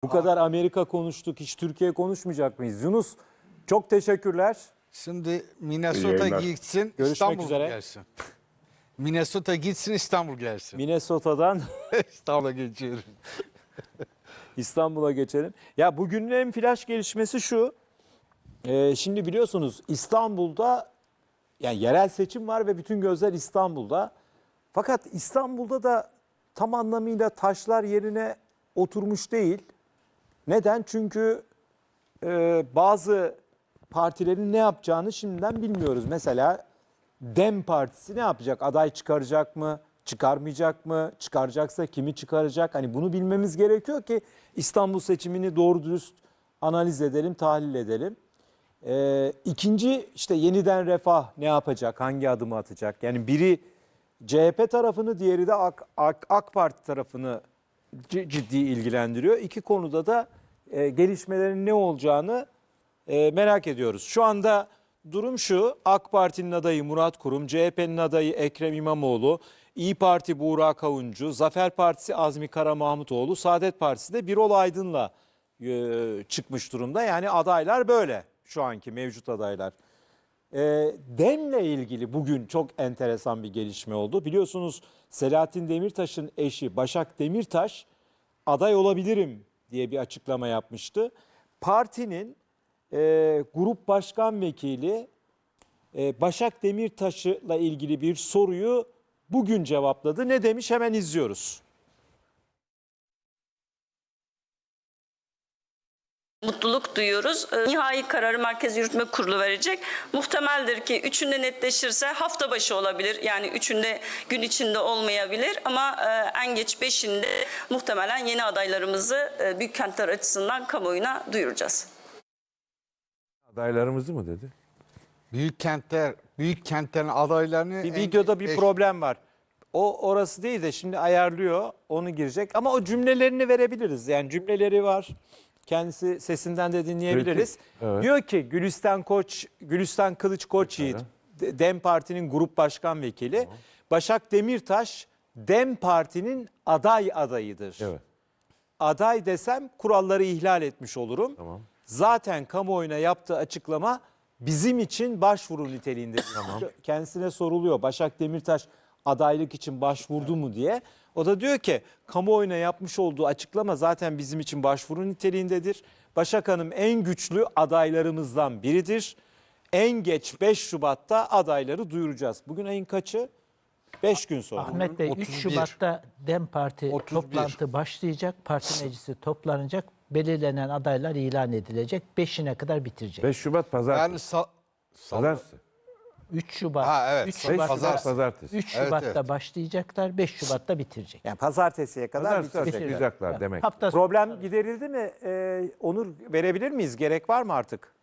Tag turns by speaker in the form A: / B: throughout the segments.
A: Bu kadar Amerika konuştuk, hiç Türkiye konuşmayacak mıyız? Yunus, çok teşekkürler.
B: Şimdi Minnesota gitsin,
A: Görüşmek
B: İstanbul
A: üzere.
B: gelsin. Minnesota gitsin, İstanbul gelsin.
A: Minnesota'dan
B: İstanbul'a geçiyoruz.
A: İstanbul'a geçelim. Ya bugünün en flash gelişmesi şu. Şimdi biliyorsunuz İstanbul'da yani yerel seçim var ve bütün gözler İstanbul'da. Fakat İstanbul'da da tam anlamıyla taşlar yerine oturmuş değil. Neden? Çünkü bazı partilerin ne yapacağını şimdiden bilmiyoruz. Mesela DEM Partisi ne yapacak? Aday çıkaracak mı? Çıkarmayacak mı? Çıkaracaksa kimi çıkaracak? Hani bunu bilmemiz gerekiyor ki İstanbul seçimini doğru dürüst analiz edelim, tahlil edelim. İkinci işte yeniden Refah ne yapacak? Hangi adımı atacak? Yani biri CHP tarafını, diğeri de AK Parti tarafını ciddi ilgilendiriyor. İki konuda da gelişmelerin ne olacağını merak ediyoruz. Şu anda durum şu: AK Parti'nin adayı Murat Kurum, CHP'nin adayı Ekrem İmamoğlu, İYİ Parti Buğra Kavuncu, Zafer Partisi Azmi Kara Mahmutoğlu, Saadet Partisi de Birol Aydın'la çıkmış durumda. Yani adaylar böyle, şu anki mevcut adaylar. DEM'le ilgili bugün çok enteresan bir gelişme oldu. Biliyorsunuz Selahattin Demirtaş'ın eşi Başak Demirtaş aday olabilirim diye bir açıklama yapmıştı. Partinin grup başkan vekili Başak Demirtaş'la ilgili bir soruyu bugün cevapladı. Ne demiş? Hemen izliyoruz.
C: Mutluluk duyuyoruz. Nihai kararı Merkez Yürütme Kurulu verecek. Muhtemeldir ki üçünde netleşirse hafta başı olabilir. Yani üçünde gün içinde olmayabilir ama en geç beşinde muhtemelen yeni adaylarımızı büyük kentler açısından kamuoyuna duyuracağız.
D: Adaylarımızı mı dedi?
B: Büyük kentlerin adaylarını...
A: Bir videoda bir problem var. O orası değil de şimdi ayarlıyor, onu girecek. Ama o cümlelerini verebiliriz. Yani cümleleri var. Kendisi sesinden de dinleyebiliriz.
D: Evet.
A: Diyor ki Gülistan Kılıç Koçyiğit, DEM Parti'nin grup başkan vekili. Tamam. Başak Demirtaş, DEM Parti'nin adayıdır.
D: Evet.
A: Aday desem kuralları ihlal etmiş olurum.
D: Tamam.
A: Zaten kamuoyuna yaptığı açıklama bizim için başvuru niteliğinde. Tamam. Kendisine soruluyor, Başak Demirtaş adaylık için başvurdu mu diye. O da diyor ki kamuoyuna yapmış olduğu açıklama zaten bizim için başvuru niteliğindedir. Başak Hanım en güçlü adaylarımızdan biridir. En geç 5 Şubat'ta adayları duyuracağız. Bugün ayın kaçı? 5 gün sonra.
E: Ahmet Bey 3 Şubat'ta DEM Parti
B: 31.
E: toplantı başlayacak. Parti meclisi toplanacak. Belirlenen adaylar ilan edilecek. 5'ine kadar bitirecek.
D: 5 Şubat
B: Yani
D: pazartesi. Pazartesi.
E: 3 Şubat.
B: Ha, evet.
E: 3
D: 5
E: Şubat'ta,
D: Şubat pazartesi.
E: 3
B: Evet,
E: Şubat'ta
B: evet.
E: başlayacaklar. 5 Şubat'ta bitirecek.
A: Yani pazartesiye kadar
D: Pazartesi
A: bitirecekler.
D: açıklayacaklar demek.
E: Hafta
A: Problem giderildi mi? Onur, verebilir miyiz? Gerek var mı artık?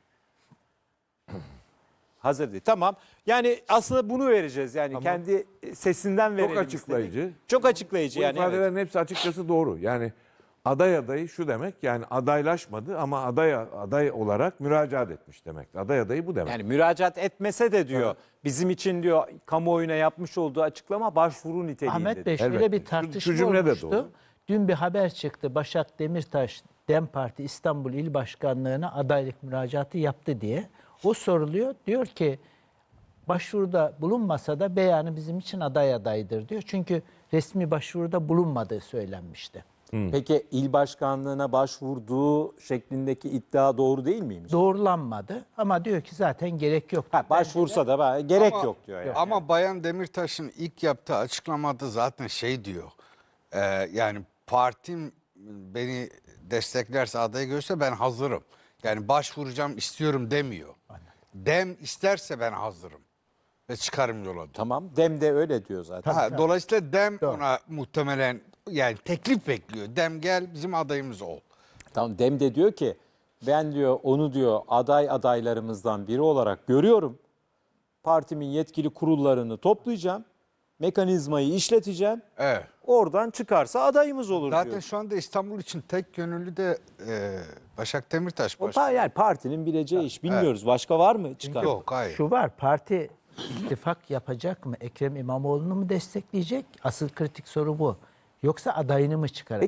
A: Hazır değil. Tamam. Yani aslında bunu vereceğiz. Yani kendi sesinden verelim.
D: Çok açıklayıcı.
A: istedik. Çok açıklayıcı
D: Bu
A: yani. Evet.
D: ifadelerin hepsi açıkçası doğru. Yani adayı şu demek, yani adaylaşmadı ama aday olarak müracaat etmiş demek. Adayı bu demek.
A: Yani müracaat etmese de diyor, bizim için diyor kamuoyuna yapmış olduğu açıklama başvuru niteliğindedir.
E: Ahmet Bey şöyle
D: Elbette.
E: bir tartışma
D: Şu cümle de
E: olmuştu.
D: doğru.
E: Dün bir haber çıktı. Başak Demirtaş DEM Parti İstanbul İl Başkanlığı'na adaylık müracaatı yaptı diye. O soruluyor. Diyor ki başvuruda bulunmasa da beyanı bizim için adaydır diyor. Çünkü resmi başvuruda bulunmadığı söylenmişti.
A: Peki il başkanlığına başvurduğu şeklindeki iddia doğru değil miymiş?
E: Doğrulanmadı ama diyor ki zaten gerek yok.
A: Başvursa da gerek yok diyor. Yani.
B: Ama Bayan Demirtaş'ın ilk yaptığı açıklamada zaten şey diyor. Yani partim beni desteklerse, adayı görse ben hazırım. Yani başvuracağım, istiyorum demiyor. DEM isterse ben hazırım ve çıkarım yola diyor.
A: Tamam. DEM de öyle diyor zaten.
B: Dolayısıyla DEM ona muhtemelen yani teklif bekliyor. DEM gel bizim adayımız ol.
A: Tamam. DEM de diyor ki ben diyor onu diyor adaylarımızdan biri olarak görüyorum. Partimin yetkili kurullarını toplayacağım. Mekanizmayı işleteceğim.
B: Evet.
A: Oradan çıkarsa adayımız olur
B: Zaten
A: diyor.
B: şu anda İstanbul için tek gönüllü de Başak Demirtaş
A: Yani partinin bileceği iş. Bilmiyoruz. Başka var mı çıkar?
B: Yok, hayır.
E: Şu var, parti ittifak yapacak mı? Ekrem İmamoğlu'nu mu destekleyecek? Asıl kritik soru bu. Yoksa adayını mı çıkaracak?
A: Peki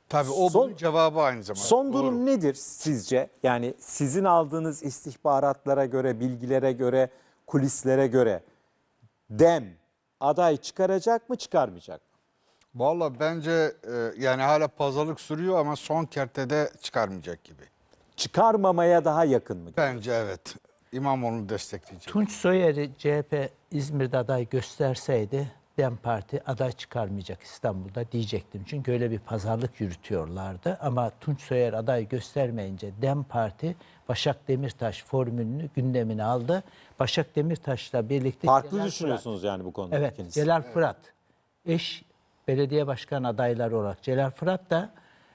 B: Tabii o
A: Son-
B: bunun cevabı aynı zamanda.
A: Son durum
B: Doğru.
A: nedir sizce? Yani sizin aldığınız istihbaratlara göre, bilgilere göre, kulislere göre DEM aday çıkaracak mı, çıkarmayacak mı?
B: Valla bence yani hala pazarlık sürüyor ama son kertede çıkarmayacak gibi.
A: Çıkarmamaya daha yakın mı?
B: Bence evet. İmamoğlu'nu destekleyecek.
E: Tunç Soyer'i CHP İzmir'de aday gösterseydi DEM Parti aday çıkarmayacak İstanbul'da diyecektim. Çünkü öyle bir pazarlık yürütüyorlardı. Ama Tunç Soyer aday göstermeyince DEM Parti Başak Demirtaş formülünü gündemine aldı. Başak Demirtaş'la birlikte
A: Farklı
E: Celal
A: düşünüyorsunuz yani bu konuda
E: Evet,
A: ikiniz.
E: Celal Fırat. Eş belediye başkan adayları olarak. Celal Fırat da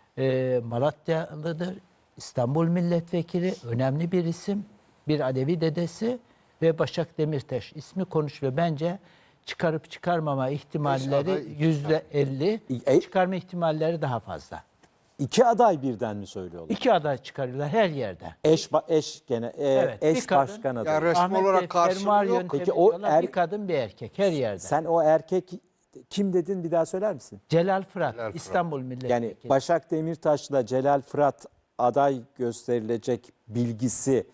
E: Malatyalıdır. İstanbul milletvekili, önemli bir isim. Bir Alevi dedesi ve Başak Demirtaş ismi konuşuluyor. Bence çıkarıp çıkarmama ihtimalleri
B: aday, iki
E: %50. Çıkarma ihtimalleri daha fazla.
A: İki aday birden mi söylüyorlar?
E: İki aday çıkarıyorlar her yerde.
A: Eş gene
E: Evet, bir
A: eş
E: kadın-
A: başkan
B: Ya
A: adayı.
B: resmi
E: Ahmet
B: olarak
E: Bey
B: karşılığı
E: fermuar
B: yok.
E: yöntemi
A: Peki o
E: diyorlar. Bir kadın bir erkek her yerde.
A: Sen o erkek kim dedin, bir daha söyler misin?
E: Celal Fırat,
B: Fırat.
E: İstanbul milletvekili.
A: Yani Başak Demirtaş'la Celal Fırat aday gösterilecek bilgisi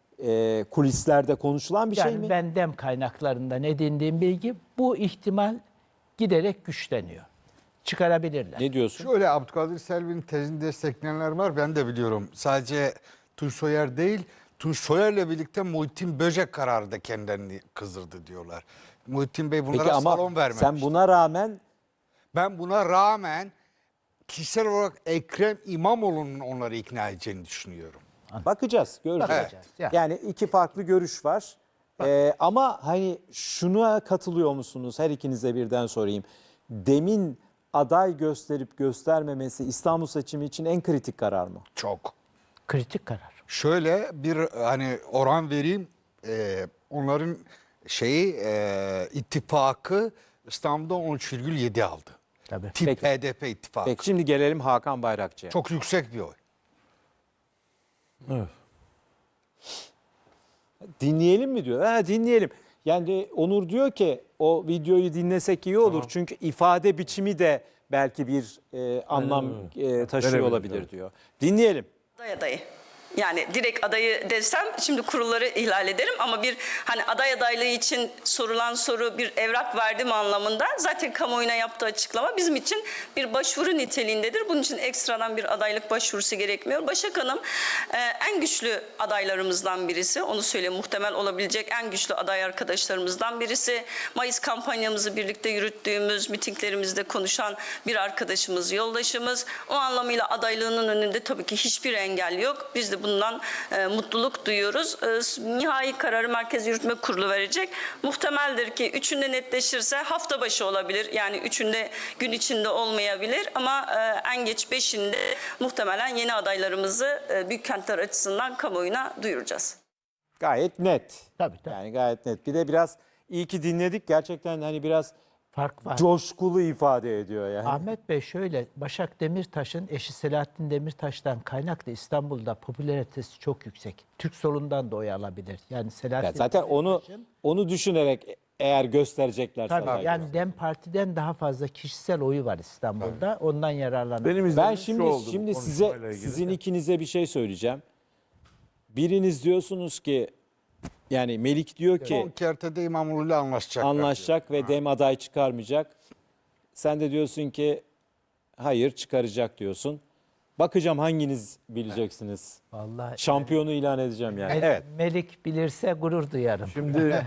A: kulislerde konuşulan bir
E: Yani
A: şey mi?
E: ben DEM kaynaklarından edindiğim bilgi bu ihtimal giderek güçleniyor. Çıkarabilirler.
A: Ne diyorsun?
B: Şöyle Abdülkadir Selvi'nin tezini destekleyenler var. Ben de biliyorum. Sadece Tunç Soyer değil, Tunç Soyer'le birlikte Muhittin Böcek kararı da kendilerini kızdırdı diyorlar. Muhittin Bey bunlara
A: Peki ama
B: salon vermemiş.
A: sen buna rağmen
B: Ben buna rağmen kişisel olarak Ekrem İmamoğlu'nun onları ikna edeceğini düşünüyorum.
A: bakacağız, göreceğiz.
E: Bakacağız, ya.
A: Yani iki farklı görüş var. Ama hani şuna katılıyor musunuz? Her ikinize birden sorayım. DEM'in aday gösterip göstermemesi İstanbul seçimi için en kritik karar mı?
B: Çok.
E: Kritik karar.
B: Şöyle bir hani oran vereyim. Onların ittifakı İstanbul'da 13,7 aldı.
E: Tabii.
B: Tip
A: Peki.
B: HDP ittifakı.
A: Peki şimdi gelelim Hakan Bayrakçı'ya.
B: Çok yüksek bir oy.
D: Evet.
A: Dinleyelim mi diyor? Ha, dinleyelim. Yani Onur diyor ki o videoyu dinlesek iyi olur. Çünkü ifade biçimi de belki bir anlam taşıyor
D: Verebilir,
A: olabilir
D: evet.
A: diyor. Dinleyelim.
C: Adayı. Yani direkt adayı desem şimdi kurulları ihlal ederim ama bir hani aday adaylığı için sorulan soru bir evrak verdim anlamında zaten kamuoyuna yaptığı açıklama bizim için bir başvuru niteliğindedir. Bunun için ekstradan bir adaylık başvurusu gerekmiyor. Başak Hanım en güçlü adaylarımızdan birisi. Onu söyleyeyim, muhtemel olabilecek en güçlü aday arkadaşlarımızdan birisi. Mayıs kampanyamızı birlikte yürüttüğümüz, mitinglerimizde konuşan bir arkadaşımız, yoldaşımız. O anlamıyla adaylığının önünde tabii ki hiçbir engel yok. Biz de bundan mutluluk duyuyoruz. Nihai kararı Merkez Yürütme Kurulu verecek. Muhtemeldir ki üçünde netleşirse hafta başı olabilir. Yani üçünde gün içinde olmayabilir ama en geç 5'inde muhtemelen yeni adaylarımızı büyük kentler açısından kamuoyuna duyuracağız.
A: Gayet net.
E: Tabii.
A: Yani gayet net. Bir de biraz iyi ki dinledik. Gerçekten hani biraz
E: Fark var.
A: coşkulu ifade ediyor yani.
E: Ahmet Bey şöyle, Başak Demirtaş'ın eşi Selahattin Demirtaş'tan kaynaklı İstanbul'da popülaritesi çok yüksek. Türk solundan da oy alabilir. Yani Selahattin
A: Ya zaten onu düşünerek eğer gösterecekler.
E: tabii yani DEM Parti'den daha fazla kişisel oyu var İstanbul'da. Ondan yararlanır.
D: Benim
A: Ben
D: izlediğim şu
A: şimdi
D: oldu bu
A: şimdi
D: konuşmayla
A: size
D: ilgili.
A: sizin ikinize bir şey söyleyeceğim. Biriniz diyorsunuz ki yani Melik diyor
B: Son
A: ki
B: kertede İmamoğlu'yla anlaşacaklar.
A: anlaşacak ve DEM aday çıkarmayacak. Sen de diyorsun ki hayır çıkaracak diyorsun. Bakacağım hanginiz bileceksiniz.
E: Vallahi
A: Şampiyonu ilan edeceğim yani. Evet.
E: Melik bilirse gurur duyarım.
D: Şimdi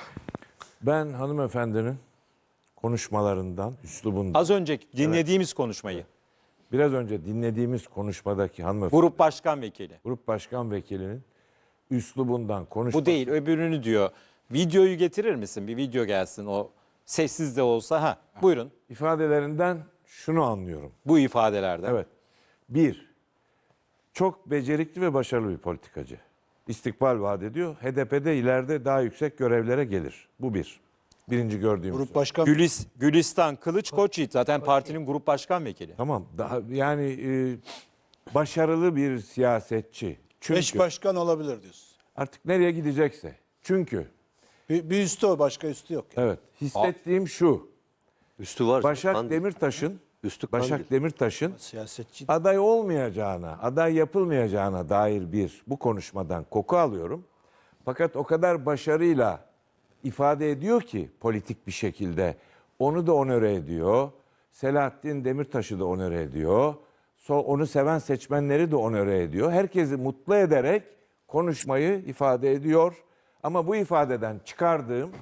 D: ben hanımefendinin konuşmalarından, üslubundan,
A: Az önce dinlediğimiz konuşmayı.
D: biraz önce dinlediğimiz konuşmadaki hanımefendi,
A: Grup başkan vekili.
D: grup başkan vekilinin üslubundan konuşması.
A: Bu değil, öbürünü diyor. Videoyu getirir misin? Bir video gelsin o sessiz de olsa. Ha, buyurun.
D: İfadelerinden şunu anlıyorum.
A: Bu ifadelerden.
D: Evet. Bir, çok becerikli ve başarılı bir politikacı. İstikbal vaat ediyor. HDP'de ileride daha yüksek görevlere gelir. Bu bir. Birinci gördüğümüz.
F: Grup başkan
A: Gülistan Kılıç Koçyiğit zaten partinin grup başkan vekili.
D: Tamam. Daha yani başarılı bir siyasetçi. Çünkü
F: eş başkan olabilir diyorsun.
D: artık nereye gidecekse. Çünkü
F: Bir üstü o, başka üstü yok.
D: evet, hissettiğim şu.
G: Üstü var.
D: Başak
G: zaten.
D: Demirtaş'ın
G: Üstü Kandil.
D: Başak Demirtaş'ın
F: Siyasetçi.
D: aday olmayacağına, aday yapılmayacağına dair bu konuşmadan koku alıyorum. Fakat o kadar başarıyla ifade ediyor ki politik bir şekilde onu da onore ediyor. Selahattin Demirtaş'ı da onore ediyor. Onu seven seçmenleri de onore ediyor. Herkesi mutlu ederek konuşmayı ifade ediyor. Ama bu ifadeden çıkardığım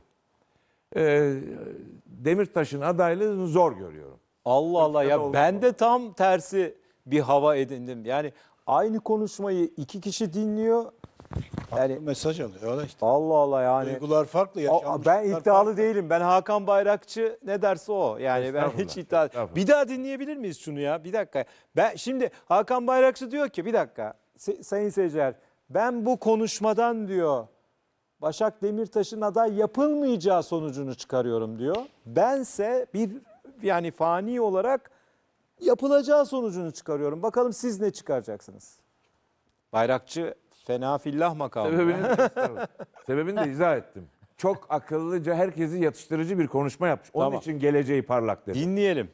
D: Demirtaş'ın adaylığını zor görüyorum.
A: Allah Allah ya,
D: oldu.
A: ben de tam tersi bir hava edindim. Yani aynı konuşmayı iki kişi dinliyor. Yani
F: Mesaj alıyor. Öyle işte.
A: Allah Allah yani.
F: Duygular farklı.
A: Ben
F: yaşanmışlıklar
A: iddialı
F: farklı.
A: değilim. Ben Hakan Bayrakçı ne derse o. Yani ben hiç iddia.
D: Estağfurullah.
A: Bir daha dinleyebilir miyiz şunu ya? Bir dakika. Ben şimdi Hakan Bayrakçı diyor ki bir dakika. Sayın seyirciler, ben bu konuşmadan diyor Başak Demirtaş'ın aday yapılmayacağı sonucunu çıkarıyorum diyor. Bense yani fani olarak yapılacağı sonucunu çıkarıyorum. Bakalım siz ne çıkaracaksınız? Bayrakçı fena fillah makamı.
D: Sebebini de izah ettim. Çok akıllıca, herkesi yatıştırıcı bir konuşma yapmış. Onun
A: Tamam.
D: için geleceği parlak dedi.
A: Dinleyelim.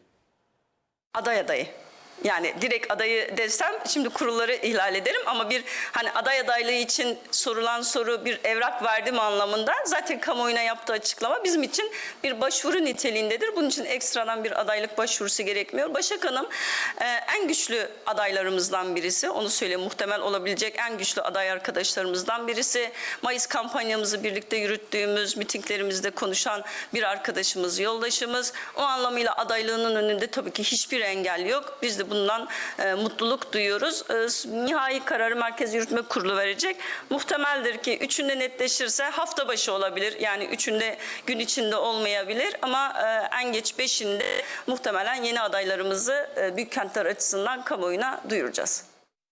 C: Aday adayı. Yani direkt adayı desem şimdi kurulları ihlal ederim ama bir hani aday adaylığı için sorulan soru bir evrak verdim anlamında zaten kamuoyuna yaptığı açıklama bizim için bir başvuru niteliğindedir. Bunun için ekstradan bir adaylık başvurusu gerekmiyor. Başak Hanım en güçlü adaylarımızdan birisi. Onu söyleyeyim, muhtemel olabilecek en güçlü aday arkadaşlarımızdan birisi. Mayıs kampanyamızı birlikte yürüttüğümüz, mitinglerimizde konuşan bir arkadaşımız, yoldaşımız. O anlamıyla adaylığının önünde tabii ki hiçbir engel yok. Biz de bundan mutluluk duyuyoruz. Nihai kararı Merkez Yürütme Kurulu verecek. Muhtemeldir ki üçünde netleşirse hafta başı olabilir. Yani üçünde gün içinde olmayabilir ama en geç 5'inde muhtemelen yeni adaylarımızı büyük kentler açısından kamuoyuna duyuracağız.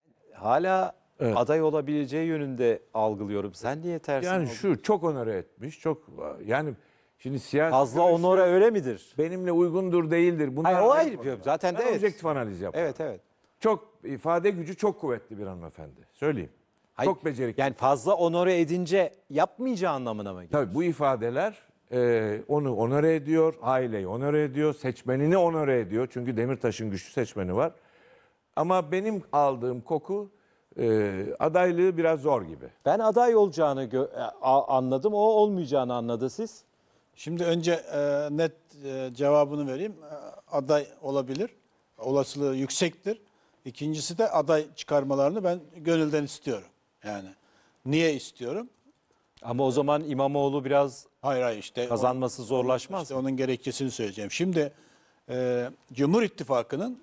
A: Hala aday olabileceği yönünde algılıyorum. Sen niye tersin?
D: Yani
A: oldun?
D: şu çok onore etmiş. Şimdi siyasi
A: Fazla
D: görüşü
A: onore öyle midir?
D: benimle uygundur değildir. Bunlar
A: Hayır, o
D: ayrı
A: ayrı.
D: konular.
A: Zaten de
D: Ben
A: evet.
D: objektif analiz yapıyorum.
A: Evet evet.
D: Çok ifade gücü çok kuvvetli bir hanımefendi. Söyleyeyim.
A: Hayır,
D: Çok becerikli.
A: Yani fazla onore edince yapmayacağı anlamına mı geliyor?
D: Tabii bu ifadeler onu onore ediyor, aileyi onore ediyor, seçmenini onore ediyor. Çünkü Demirtaş'ın güçlü seçmeni var. Ama benim aldığım koku adaylığı biraz zor gibi.
A: Ben aday olacağını anladım. O olmayacağını anladı siz.
F: Şimdi önce net cevabını vereyim. Aday olabilir. Olasılığı yüksektir. İkincisi de aday çıkarmalarını ben gönülden istiyorum. Yani niye istiyorum?
A: Ama o zaman İmamoğlu biraz
F: Hayır işte
A: kazanması zorlaşmaz
F: İşte
A: mı?
F: onun gerekçesini söyleyeceğim. Şimdi Cumhur İttifakı'nın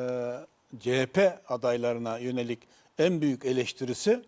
F: CHP adaylarına yönelik en büyük eleştirisi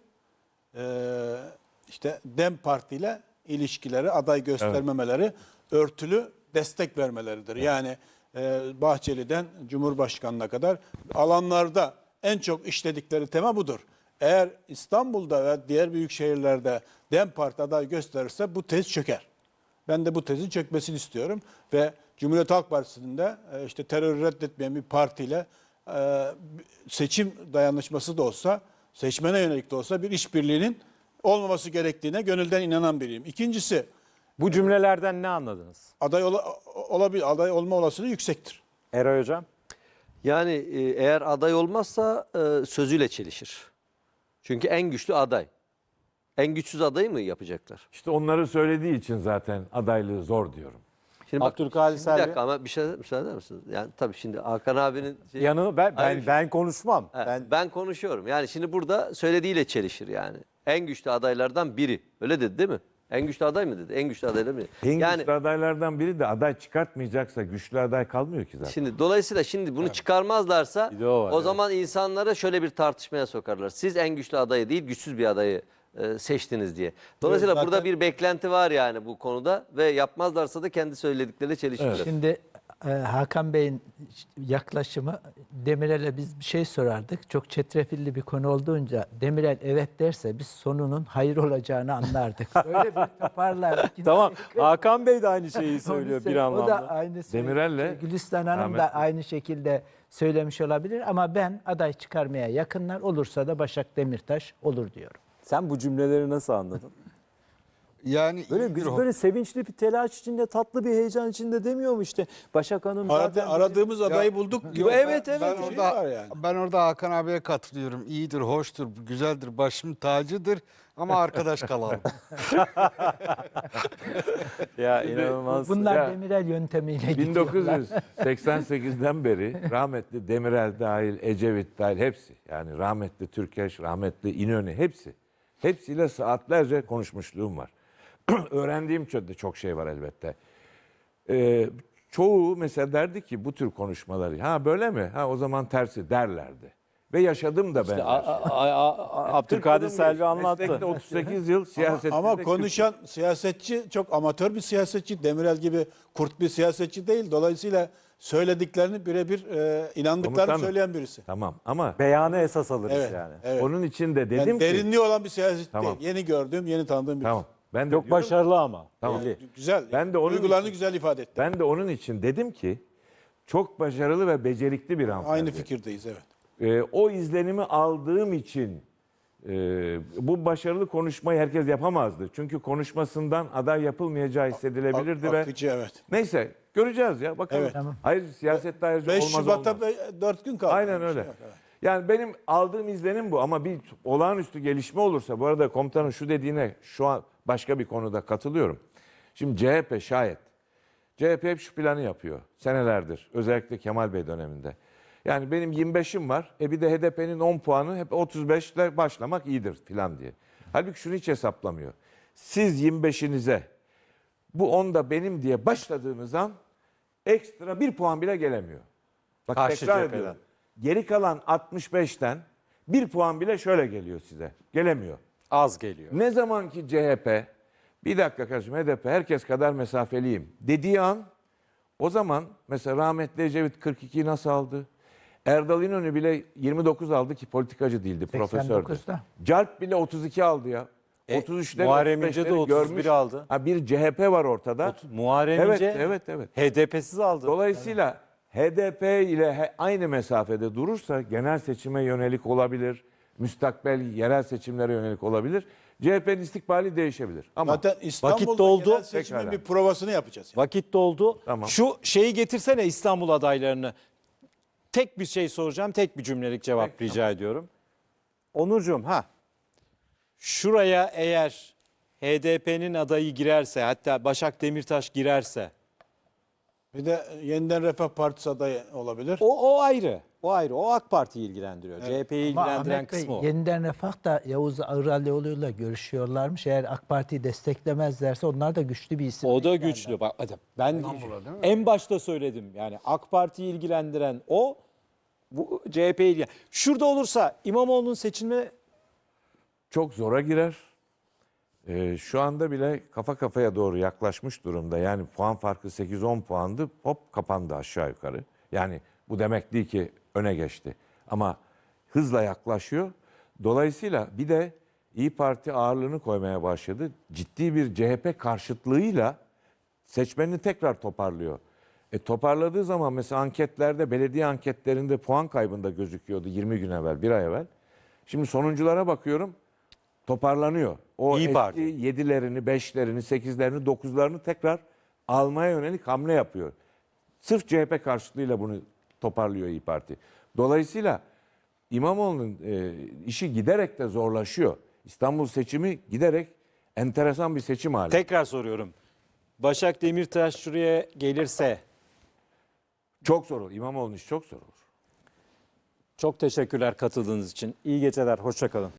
F: işte DEM Parti ile ilişkileri, aday göstermemeleri, örtülü destek vermeleridir. Yani Bahçeli'den Cumhurbaşkanı'na kadar alanlarda en çok işledikleri tema budur. Eğer İstanbul'da ve diğer büyük şehirlerde DEM Parti aday gösterirse bu tez çöker. Ben de bu tezin çökmesini istiyorum ve Cumhuriyet Halk Partisi'nin de işte terörü reddetmeyen bir partiyle seçim dayanışması da olsa, seçmene yönelik de olsa bir işbirliğinin olmaması gerektiğine gönülden inanan biriyim. İkincisi,
A: Bu cümlelerden ne anladınız?
F: aday olma olasılığı yüksektir.
A: Eray Hocam?
G: Yani eğer aday olmazsa sözüyle çelişir. Çünkü en güçlü aday. En güçsüz adayı mı yapacaklar?
D: İşte onları söylediği için zaten adaylığı zor diyorum.
G: Şimdi bak,
A: Abdülkadir
G: bir
A: Selvi.
G: dakika ama bir şey müsaade eder misiniz? Yani tabii şimdi Hakan abinin
A: Yanı ben konuşmam.
G: ben konuşuyorum. Yani şimdi burada söylediğiyle çelişir yani. En güçlü adaylardan biri. Öyle dedi değil mi? En güçlü aday mı dedi? En güçlü adaylar mı?
D: En
G: Yani
D: güçlü adaylardan biri de aday çıkartmayacaksa güçlü aday kalmıyor ki zaten.
G: şimdi dolayısıyla şimdi bunu çıkarmazlarsa
A: Bir de o var,
G: o
A: evet.
G: zaman insanlara şöyle bir tartışmaya sokarlar. Siz en güçlü adayı değil güçsüz bir adayı seçtiniz diye. Dolayısıyla
F: Zaten-
G: burada bir beklenti var yani bu konuda ve yapmazlarsa da kendi söyledikleriyle çelişirler.
E: Şimdi Hakan Bey'in yaklaşımı, Demirel'e biz bir şey sorardık. Çok çetrefilli bir konu olduğunca Demirel evet derse biz sonunun hayır olacağını anlardık. Öyle bir toparlardık.
A: Tamam. Hakan Bey de aynı şeyi söylüyor bir
E: O da
A: anlamda.
E: aynı
D: Demirel'le
E: Gülistan Hanım
D: Ahmet
E: da
D: Bey.
E: aynı şekilde söylemiş olabilir ama ben aday çıkarmaya yakınlar olursa da Başak Demirtaş olur diyorum.
A: Sen bu cümleleri nasıl anladın?
B: Yani
A: Böyle
B: iyidir o.
A: böyle sevinçli bir telaş içinde, tatlı bir heyecan içinde demiyor mu işte? Başak Hanım zaten
F: Aradığımız adayı bulduk diyor.
A: Evet,
B: Ben
A: evet.
B: orada,
F: var yani.
B: ben orada Hakan abiye katılıyorum. İyidir, hoştur, güzeldir, başım tacıdır ama arkadaş kalalım.
A: ya inanılmaz.
E: Bunlar
D: Ya,
E: Demirel yöntemiyle gidiyorlar.
D: 1988'den beri rahmetli Demirel dahil, Ecevit dahil hepsi, yani rahmetli Türkeş, rahmetli İnönü hepsi. Hepsiyle saatlerce konuşmuşluğum var. Öğrendiğim çok şey var elbette. Çoğu mesela derdi ki bu tür konuşmaları, ha böyle mi? Ha o zaman tersi derlerdi. Ve yaşadım da ben.
A: Abdülkadir Selvi anlattı.
D: Meslekte 38 yıl siyasette.
F: Ama konuşan siyasetçi çok amatör bir siyasetçi. Demirel gibi kurt bir siyasetçi değil. Dolayısıyla söylediklerini birebir inandıklarını
D: Komutanım.
F: söyleyen birisi.
D: Tamam ama
A: Beyanı esas alırız
F: Evet.
A: yani.
F: Evet.
D: onun için de
F: Yani
D: dedim ki
F: derinliği olan bir siyasetçi
D: Tamam.
F: değil. Yeni gördüğüm, yeni tanıdığım birisi.
D: tamam. Ben de
A: Çok
D: diyorum-
A: başarılı ama.
D: Tamam.
A: Belli.
F: Güzel.
D: Ben de onun
F: Duygularını
D: için-
F: güzel ifade etti.
D: Ben de onun için dedim ki çok başarılı ve becerikli bir hanımefendi.
F: Aynı fikirdeyiz, evet.
D: O izlenimi aldığım için bu başarılı konuşmayı herkes yapamazdı. Çünkü konuşmasından aday yapılmayacağı hissedilebilirdi ve
F: Akıcı, evet.
D: neyse göreceğiz ya bakalım.
F: Evet.
E: Tamam.
D: Hayır siyasette ayrıca
F: 5
D: olmaz
F: Şubat'ta
D: olmaz.
F: 4 gün kaldı.
D: Aynen
F: Bir
D: öyle.
F: şey yok, evet.
D: Yani benim aldığım izlenim bu ama bir olağanüstü gelişme olursa, bu arada komutanın şu dediğine şu an başka bir konuda katılıyorum. Şimdi CHP şayet, CHP hep şu planı yapıyor senelerdir, özellikle Kemal Bey döneminde. Yani benim 25'im var, bir de HDP'nin 10 puanı hep 35 ile başlamak iyidir filan diye. Halbuki şunu hiç hesaplamıyor. Siz 25'inize bu 10 da benim diye başladığınız an ekstra 1 puan bile gelemiyor. Bak
A: Karşı
D: tekrar
A: cepheden.
D: ediyorum. Geri kalan 65'ten 1 puan bile şöyle geliyor size. Gelemiyor.
A: Az geliyor.
D: Ne zaman ki CHP, bir dakika kardeşim HDP herkes kadar mesafeliyim dediği an, o zaman mesela rahmetli Ecevit 42'yi nasıl aldı? Erdal İnönü bile 29 aldı ki politikacı değildi, profesördü.
E: 89'da.
D: Calp bile 32 aldı ya. 33'leri,
A: Muharrem İnce de
D: 35'leri
A: 31
D: görmüş.
A: aldı.
D: Ha, bir CHP var ortada.
A: Muharrem
D: Evet,
A: İnce
D: evet.
A: HDP'siz aldı.
D: Dolayısıyla HDP ile aynı mesafede durursa genel seçime yönelik olabilir, müstakbel yerel seçimlere yönelik olabilir. CHP'nin istikbali değişebilir. Ama
F: Zaten İstanbul'da
A: Vakit doldu.
F: genel seçimin
D: Pekala.
F: bir provasını yapacağız.
A: Vakit doldu.
D: Tamam.
A: Şu şeyi getirsene, İstanbul adaylarını. Tek bir şey soracağım, tek bir cümlelik cevap
D: Peki,
A: rica ediyorum. Onurcuğum, şuraya eğer HDP'nin adayı girerse, hatta Başak Demirtaş girerse,
F: Bir de Yeniden Refah Partisi adayı olabilir.
A: o ayrı. O ayrı. O AK Parti'yi ilgilendiriyor. CHP'yi
E: Ama
A: ilgilendiren
E: Ahmet Bey,
A: kısmı o.
E: Yeniden Refah da Yavuz Ağralioğlu'yla görüşüyorlarmış. Eğer AK Parti'yi desteklemezlerse onlar da güçlü bir isim.
A: O da güçlü. Bak, ben en başta söyledim. Yani AK Parti'yi ilgilendiren o, bu CHP'yi ilgilendiren. Şurada olursa İmamoğlu'nun seçilme
D: çok zora girer. Şu anda bile kafa kafaya doğru yaklaşmış durumda. Yani puan farkı 8-10 puandı. Hop kapandı aşağı yukarı. Yani bu demek değil ki öne geçti. Ama hızla yaklaşıyor. Dolayısıyla bir de İyi Parti ağırlığını koymaya başladı. Ciddi bir CHP karşıtlığıyla seçmenini tekrar toparlıyor. Toparladığı zaman mesela anketlerde, belediye anketlerinde puan kaybında gözüküyordu 20 gün evvel, bir ay evvel. Şimdi sonunculara bakıyorum, toparlanıyor. O
A: İyi
D: eski
A: Parti.
D: 7'lerini, 5'lerini, 8'lerini, 9'larını tekrar almaya yönelik hamle yapıyor. Sırf CHP karşıtlığıyla bunu toparlıyor İyi Parti. Dolayısıyla İmamoğlu'nun işi giderek de zorlaşıyor. İstanbul seçimi giderek enteresan bir seçim hali.
A: tekrar soruyorum. Başak Demirtaş şuraya gelirse
D: Çok zor olur. İmamoğlu'nun işi çok zor olur.
A: çok teşekkürler katıldığınız için. İyi geceler. Hoşça kalın.